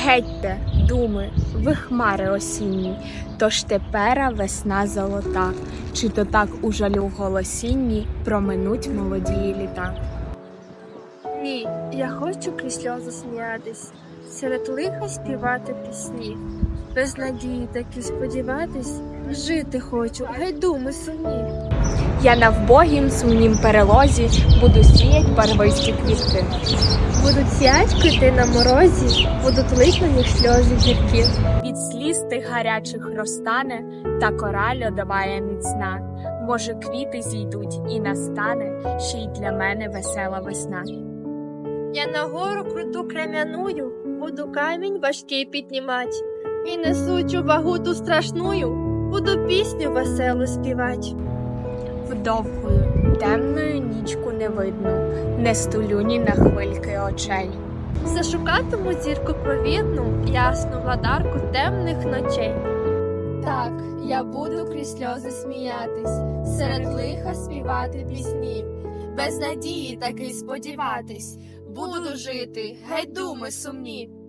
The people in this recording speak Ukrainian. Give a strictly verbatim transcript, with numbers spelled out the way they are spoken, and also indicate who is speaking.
Speaker 1: Гетьте, думи, ви хмари осінні, тож тепера весна золота, чи то так у жалю голосінні проминуть молодії літа.
Speaker 2: Ні, я хочу крізь сльози сміятись, серед лиха співати пісні. Без надії таки сподіватись, жити хочу, гай думи сумні.
Speaker 1: Я на вбогім сумнім перелозі буду сіять барвисті квітки.
Speaker 2: Будуть сіять квіти на морозі, будуть лить на них сльози гіркі.
Speaker 1: Від сліз тих гарячих розтане, та кора льодова є міцна. Може, квіти зійдуть і настане ще й для мене весела весна.
Speaker 2: Я на гору круту крем'яную, буду камінь важкий піднімать. І несучу вагу ту страшную, буду пісню веселу співать.
Speaker 1: Вдовгою, темною нічку не видно, не стулю ні на хвильки очей.
Speaker 2: Зашукатиму зірку провідну, ясну владарку темних ночей.
Speaker 3: Так, я буду крізь сльози сміятись, серед лиха співати пісні, без надії таки сподіватись, буду жити, гай думи сумні.